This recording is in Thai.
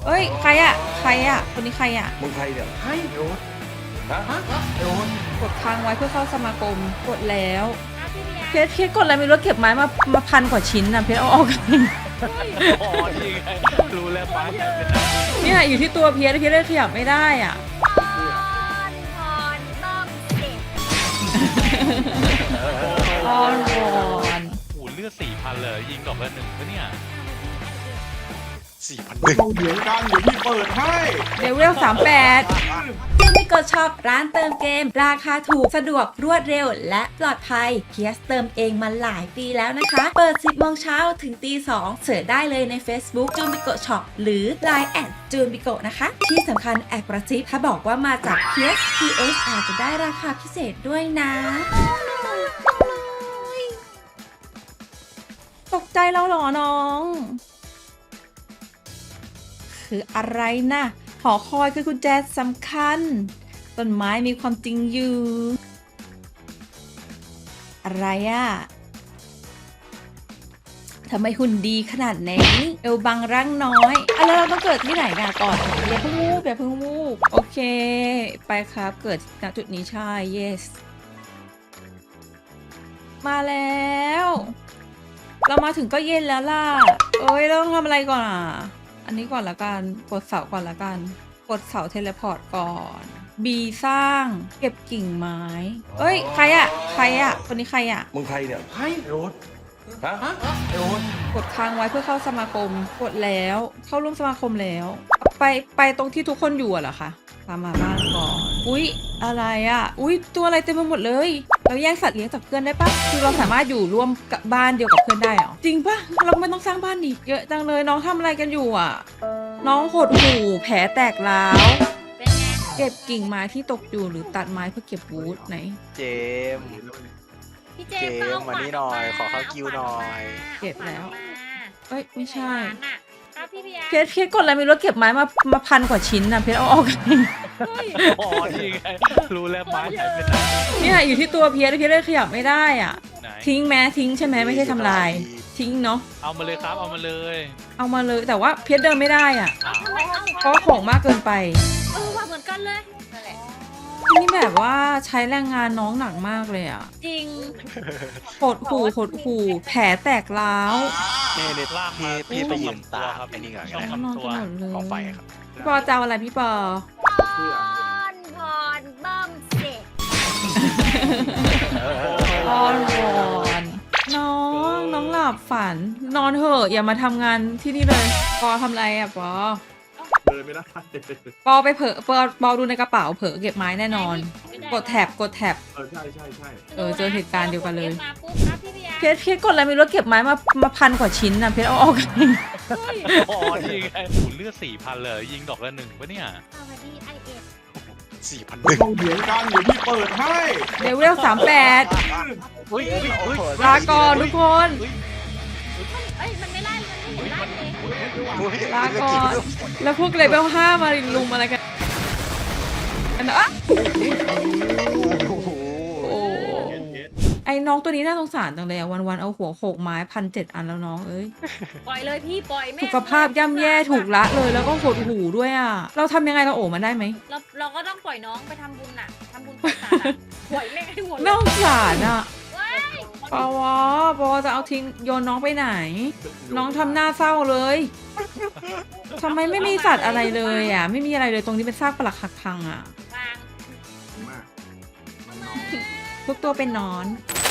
เอ้ยใครอะใครอะคนนี้ใครอะมึงใครเนี่ยให้โดนฮะโดนกดค้างไว้เพื่อเข้าสมาคมกดแล้วเพชรกดอะไรไม่รู้เก็บไม้มาพันกว่าชิ้นนะเพชรเอาออกกันอ๋อนี่ไงรู้แล้วป้าแกเป็นเนี่ยอยู่ที่ตัวเพชรเลยขยับไม่ได้อ่ะพรต้องเด็กอ้อนวอนโอ้เลือด4,000เลยยิงดอกละ1ปะเนี่ยเราเถียงกันเดี๋ยวพี่เปิดให้เดวิล38ซึ่งไม่กดช็อปร้านเติมเกม ราคาถูกสะดวกรวดเร็วและปลอดภัยเพียสเติมเองมาหลายปีแล้วนะคะ เปิด 10 โมงเช้าถึงตี 2เสิร์ชได้เลยใน Facebook จูนบิโกช็อปหรือ Line แอดจูนบิโกนะคะ ที่สำคัญแอบกระซิบถ้าบอกว่ามาจาก PS อาจจะได้ราคาพิเศษด้วยนะ ตกใจแล้วเหรอน้อง คืออะไรนะหอคอยคือกุญแจสำคัญ ต้นไม้มีความจริงอยู่ อะไรอะทำไมหุ่นดีขนาดนี้เอวบางร่างน้อยแล้วเราต้องเกิดที่ไหนกันก่อนอย่าเพิ่งวูบอย่าเพิ่งวูบโอเค ไปครับเกิดณจุดนี้ใช่ yes มาแล้ว เรามาถึงก็เย็นแล้วล่ะเอ้ยเราต้องทำอะไรก่อนอ่ะอันนี้ก่อนละกันกดเสาก่อนละกันกดเสาเทเลพอร์ตก่อน B สร้างเก็บกิ่งไม้เอ้ยใครอะคนนี้ใครอะมึงใครเนี่ยให้โดนฮะโดนกดค้างไว้เพื่อเข้าสมาคมกดแล้วเข้าร่วมสมาคมแล้วไปตรงที่ทุกคนอยู่อะเหรอคะตามมาบ้านก่อนอุ๊ยอะไรอะอุ๊ยตัวอะไรเต็มไปหมดเลยเราแยกสัตว์เลี้ยงจากเพื่อนได้ปะคือเราสามารถอยู่ร่วมกับบ้านเดียวกับเพื่อนได้เหรอจริงปะเราไม่ต้องสร้างบ้านอีกเยอะจังเลยน้องทำอะไรกันอยู่อะน้องหดหู่แผลแตกร้าวเป็นไงเก็บกิ่งไม้ที่ตกอยู่หรือตัดไม้เพื่อเก็บวูดไหนเจมส์พี่เจเจมส์มส์มานี่หน่อยขอเข้าคิวหน่อยเก็บแล้ว เอ้ยไม่ใช่ครับพี่เบียร์เพชรกดอะไรไม่รู้เก็บไม้มาพันกว่าชิ้นนะเพชรเอาออกกันอ๋อนี่ไงรู้แล้วป้าแกเป็นเนี่ยอยู่ที่ตัวเพชรเลยขยับไม่ได้อ่ะไหนทิ้งแม้ทิ้งใช่ไหมไม่ใช่ทำลาย ทิ้งเนาะเอามาเลยครับเอามาเลยเอามาเลยแต่ว่าเพชรเดินไม่ได้อ่ะอ้าวทำไมเอาเพราะว่าของมากเกินไปว่าเหมือนกันเลยนั่นแหละนี่แบบว่าใช้แรงงานน้องหนักมากเลยอ่ะจริงหดหู่แผลแตกร้าวนี่นี่ลากมาพี่ไปยืนตาครับไอ้นี่ก่อนต้ก็องได้นอนทำตักัวนหมดเลยกองไฟครับพี่ปอจะเอาอะไรพี่ปอพรต้องเด็กอ้อนวอนน้องหลับฝัน นอนเถอะอย่ามาทำงานที่นี่เลยปอทำอะไรอ่ะปอเดินไม่ได้ปอไปเผลอปอดูในกระเป๋าเผลอเก็บไม้แน่นอน กดแท็บใช่ใช่เจอเหตุการณ์เดียวกันเลยมาปุ๊บครับพี่เบียร์เพชรกดอะไรไม่รู้เก็บไม้มาพันกว่าชิ้นนะเพชรเอาออกกันอ๋อนี่ไงโอ้เลือด4,000เลยยิงดอกละ1ปะเนี่ยสวัสดีไอเอสเราเถียงกันเดี๋ยวพี่เปิดให้เดวิล38 อุ้ยลาก่อนทุกคนเอ้ยมันไม่ไล่มันไม่เห็นไล่เลยลาก่อนแล้วพวกเลเวล5มาลุมอะไรกันอ่ะโอ้โหโอ้ไอ้น้องตัวนี้น่าสงสารจังเลยอะวันๆเอาหัวโขกไม้1,700 อันแล้วน้องเอ้ยปล่อยเลยพี่ปล่อยแม่สุขภาพย่ำแย่ถูกละเลยแล้วก็หดหูด้วยอ่ะเราทำยังไงเราโอบมันได้ไหมเราก็ต้องปล่อยน้องไปทำบุญน่ะทำบุญปล่อยสัตว์อะปล่อยแม่งให้หมดเลยน่าสงสารอ่ะว้ายปอจะเอาทิ้งโยนน้องไปไหน น้องทำหน้าเศร้าเลยทำไมไม่มีสัตว์อะไรเลยอ่ะ ไม่มีอะไรเลยตรงนี้เป็นซากปรักหักพังอ่ะวางทุกตัวเป็นนอนเ